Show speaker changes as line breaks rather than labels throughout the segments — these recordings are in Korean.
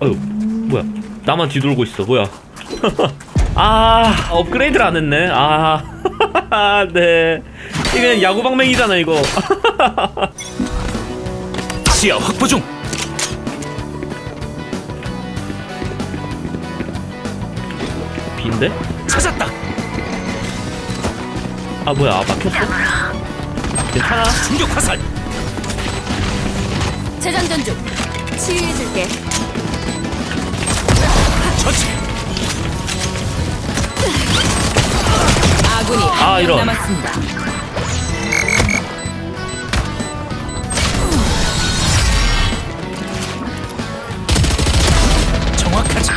아유, 뭐야? 나만 뒤돌고 있어. 뭐야? 아, 업그레이드를 안 했네. 아, 네. 이게 야구방맹이잖아 이거.
시야 확보 중.
B인데?
찾았다.
아 뭐야? 아, 막혔어? 괜찮아?
충격 화살.
재장전 중. 치유해줄게.
처치.
아군이
아,
한 명
이런.
남았습니다.
정확하지.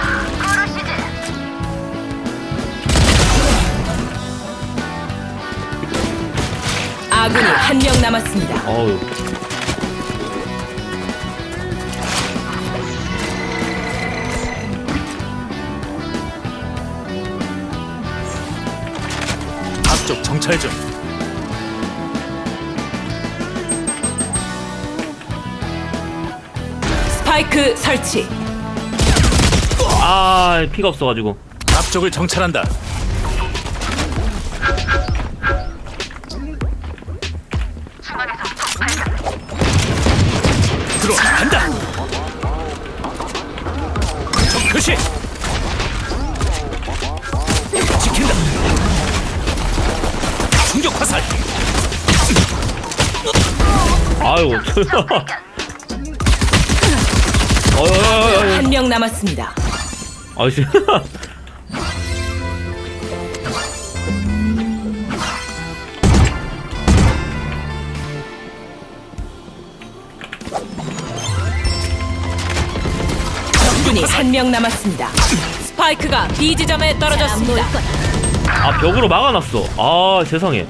아군이 한 명 남았습니다.
어우.
앞쪽 정찰 중.
스파이크 설치.
아, 피가 없어가지고.
앞쪽을 정찰한다. 들어간다. 적 표시. 지킨다. 충격 화살.
아유. 어이.
한 명 남았습니다.
아이씨.
적군이 한 명 남았습니다. 스파이크가 B 지점에 떨어졌습니다.
아, 벽으로 막아놨어. 아, 세상에.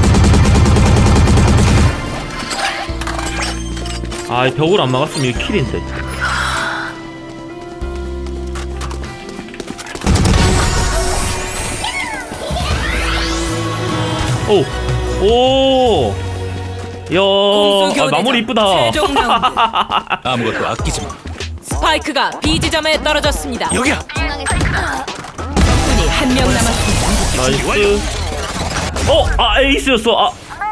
아, 벽으로 안 막았으면 이거 킬인데. 오, 오, 야, 아, 마무리 이쁘다.
최종 라운드.
아무것도 아끼지 마.
스파이크가 B 지점에 떨어졌습니다.
여기야.
적군이 한 명 남았습니다.
나이스. 아, 에이스였어.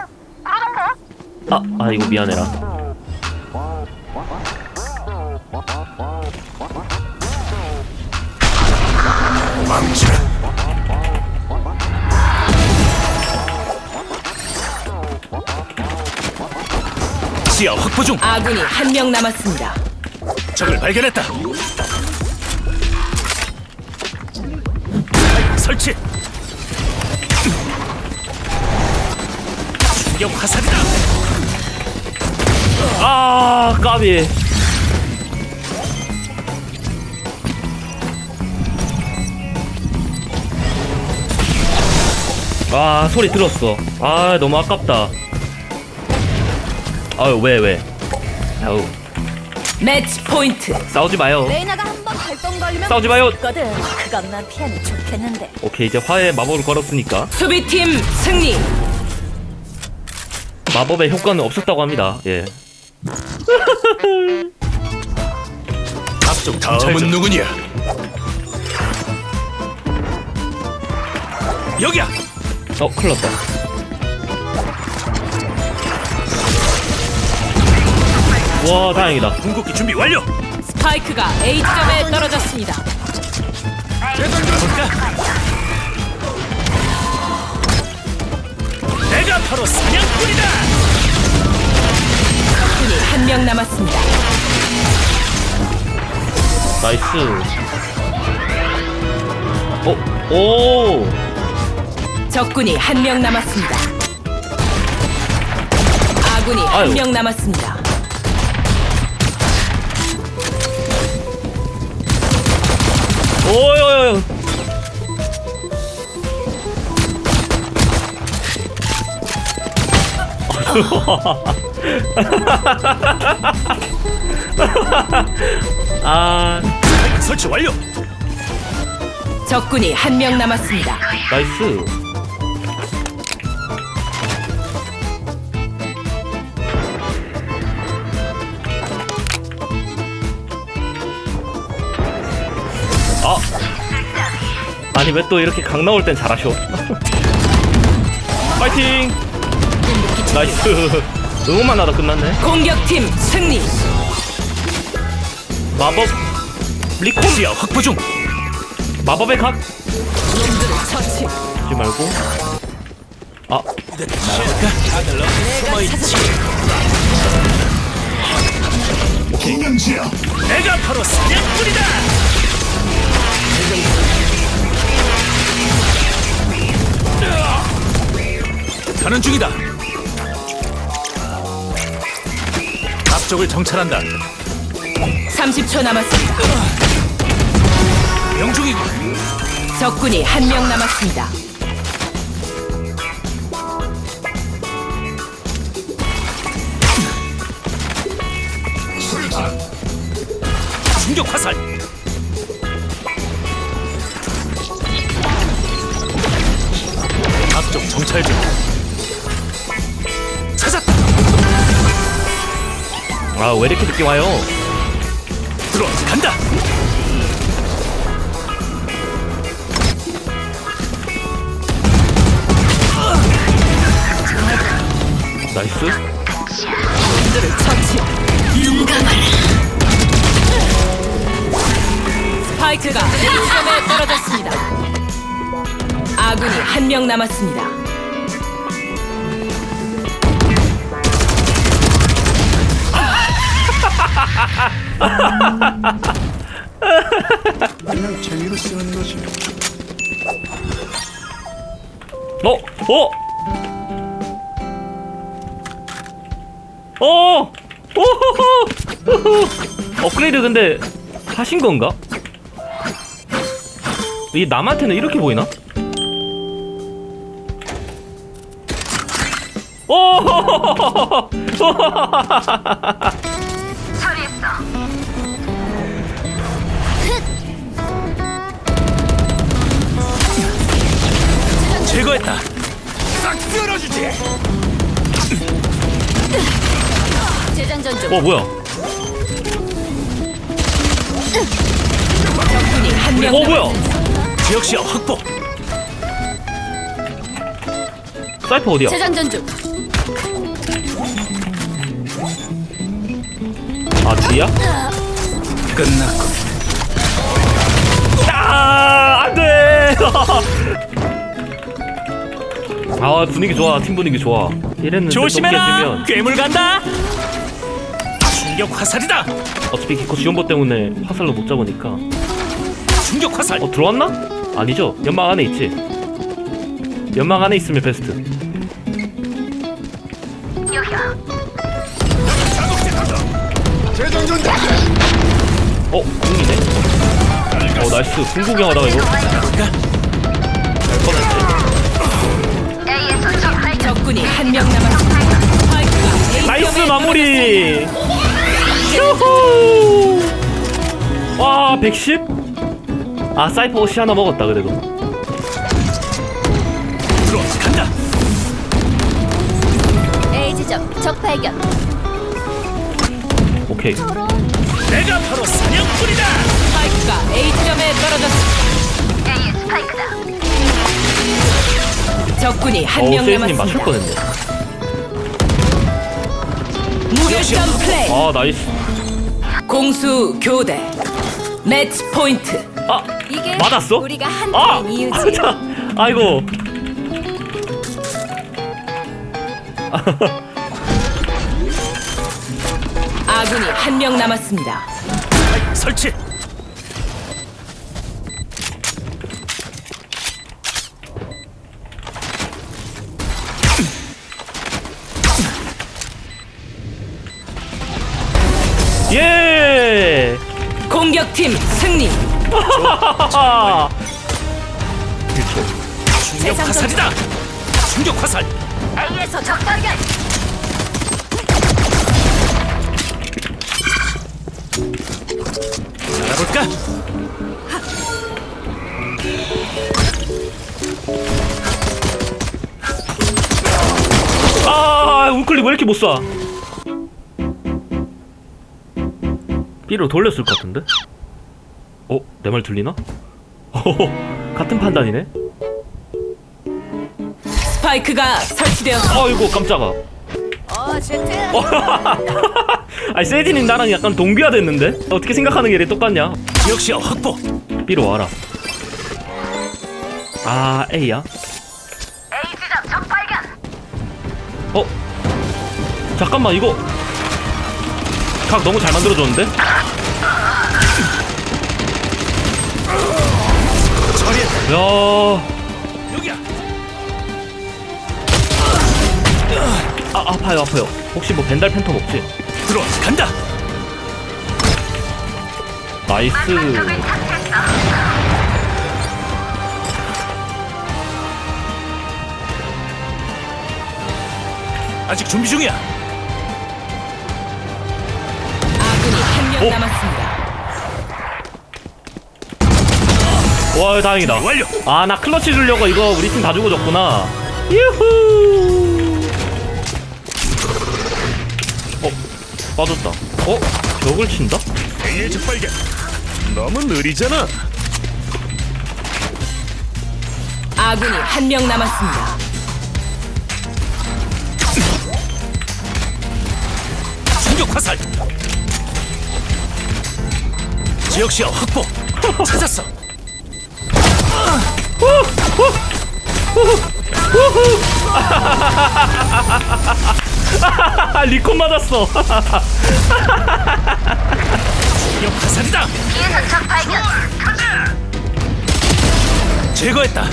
아, 이거 미안해라.
망치. 시야 확보 중.
아군이 한 명 남았습니다.
적을 발견했다. 설치. 충격 화살이다.
아, 까비. 아, 소리 들었어. 아, 너무 아깝다. 아유, 왜? 아유,
매치 포인트.
싸우지 마요.
레이나가 한번 발동 걸리면
싸우지 마요.
거든. 그것만 피하면 좋겠는데.
오케이, 이제 화해 마법을 걸었으니까
수비팀 승리.
마법의 효과는 없었다고 합니다. 예.
앞쪽 다음은 누구냐? 여기야.
큰일 났다. 와, 다행이다.
궁극기 준비 완료.
스파이크가 A 지점에 떨어졌습니다.
볼까? 내가 바로 사냥꾼이다.
적군이 한 명 남았습니다.
나이스. 오.
적군이 한 명 남았습니다. 아군이
아유.
한 명 남았습니다.
오요요요. 아,
설치 완료.
적군이 한 명 남았습니다.
나이스. 아니 왜 또 이렇게 강 나올 땐 잘하셔. 파이팅. 나이스. 응원만 하다 끝났네.
공격팀 승리.
마법 리콘.
시야 확보 중.
마법의 각.
놈들을 처치.
하지 말고. 아
날아볼까? 숨어있지. 내가 바로 사냥꾼이다. 가는 중이다. 앞쪽을 정찰한다.
30초 남았습니다.
명중이고.
적군이 한 명 남았습니다.
충격 화살. 앞쪽 정찰 중. 찾았다.
아 왜 이렇게 늦게 와요?
들어간다.
나이스.
놈들을 처치. 스파이크가 A점에 떨어졌습니다. 아군이 한 명 남았습니다.
그냥 재미로 쓰는 거지.
어? 어? 어! 오호호! 업그레이드 근데 하신 건가? 이게 남한테는 이렇게 보이나? 오!
제거했다. 싹 쓸어주지.
재장전 중.
뭐야?
적군이 한 명
뭐야?
남았습니다.
지역 시야 확보.
사이퍼 어디야?
재장전 중.
아 뒤야?
끝났고.
아 안돼. 아 분위기 좋아. 팀 분위기 좋아. 이랬는데
조심해라.
또 깨지면
괴물 간다. 충격 화살이다.
어차피 기코 지원보 때문에 화살로 못 잡으니까.
충격 화살.
들어왔나? 아니죠. 연막 안에 있지. 연막 안에 있으면 베스트. 궁이네. 나이스. 궁구경하다가 이거. 잘 뻔했지.
적군이 한 명 남았습니다. 스파이크가
나이스
A점에
마무리. 휴후. 와 110? 아 사이퍼 옷이 하나 먹었다 그래도.
들어간다.
A 지점 적 발견.
오케이.
내가 바로 사냥꾼이다.
스파이크가 A점에 떨어졌습니다.
A 스파이크다.
적군이 한 명
세이스님 맞출
남았습니다.
뻔했네.
무결점 플레이.
아 나이스.
공수 교대. 매치 포인트.
아
이게
맞았어?
우리가 한
아!
팀인 이유지.
자, 아이고.
아군이 한 명 남았습니다.
설치.
예.
공격팀 승리.
하하하. 1초.
충격 화살이다. 충격 화살.
A에서 적 발견.
알아볼까?
아 우클릭 왜 이렇게 못 쏴? B로 돌렸을 것 같은데? 내 말 들리나? 같은 판단이네.
스파이크가 설치되었습니다.
아이고 깜짝아.
제트.
아니 세진이 나랑 약간 동기화 됐는데? 어떻게 생각하는 게 이렇게 똑같냐?
지역시야 확보.
B로 와라. 아 A야?
A 지점 적 발견.
어? 잠깐만 이거 각 너무 잘 만들어줬는데?
처리했다.
야,
여기야.
아파요 아파요. 혹시 뭐 벤달 팬텀 없지?
들어와 간다.
나이스.
아직 준비 중이야.
아군이 한 명
오.
남았습니다.
와 다행이다.
완료.
아 나 클러치 주려고 이거 우리 팀 다 주고 줬구나. 유후. 빠졌다. 벽을 친다?
A의 적발견. 너무 느리잖아.
아군이 한 명 남았습니다.
충격 화살. 지역시야 확보. 찾았어.
리콘 맞았어.
충격 화살이다.
뒤에서 적 발견.
제거했다.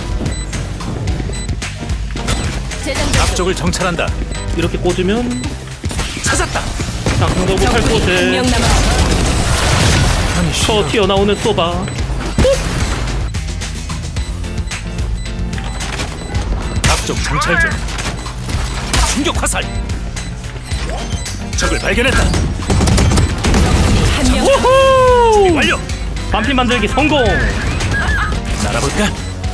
재장전.
앞쪽을 정찰한다.
이렇게 꽂으면
찾았다.
장성도 못할
적군이 한
곳에
명 남았습니다.
아니
쳐 튀어나오는 쏘바.
앞쪽 정찰 중. 충격 화살. 적을 발견했다.
한 명.
우후!
완료.
반핀 만들기 성공.
날아볼까?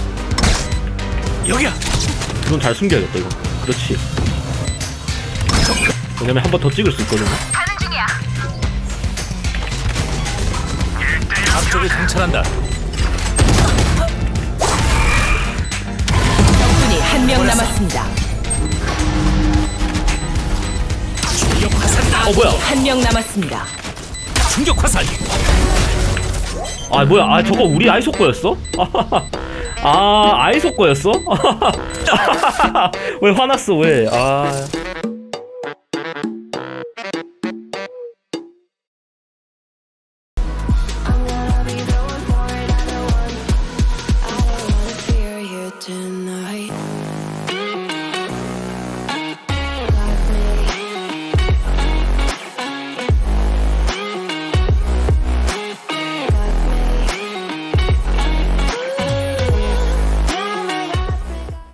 여기야.
이건 잘 숨겨야겠다 이거. 그렇지. 왜냐면 한 번 더 찍을 수 있거든.
가는 중이야.
앞쪽을 정찰한다.
적군이 한 명 남았습니다.
충격 화살이다.
뭐야?
한 명 남았습니다.
충격 화살.
아 뭐야? 아 저거 우리 아이소 거였어? 아 아이소 거였어? 왜 화났어 왜? 아.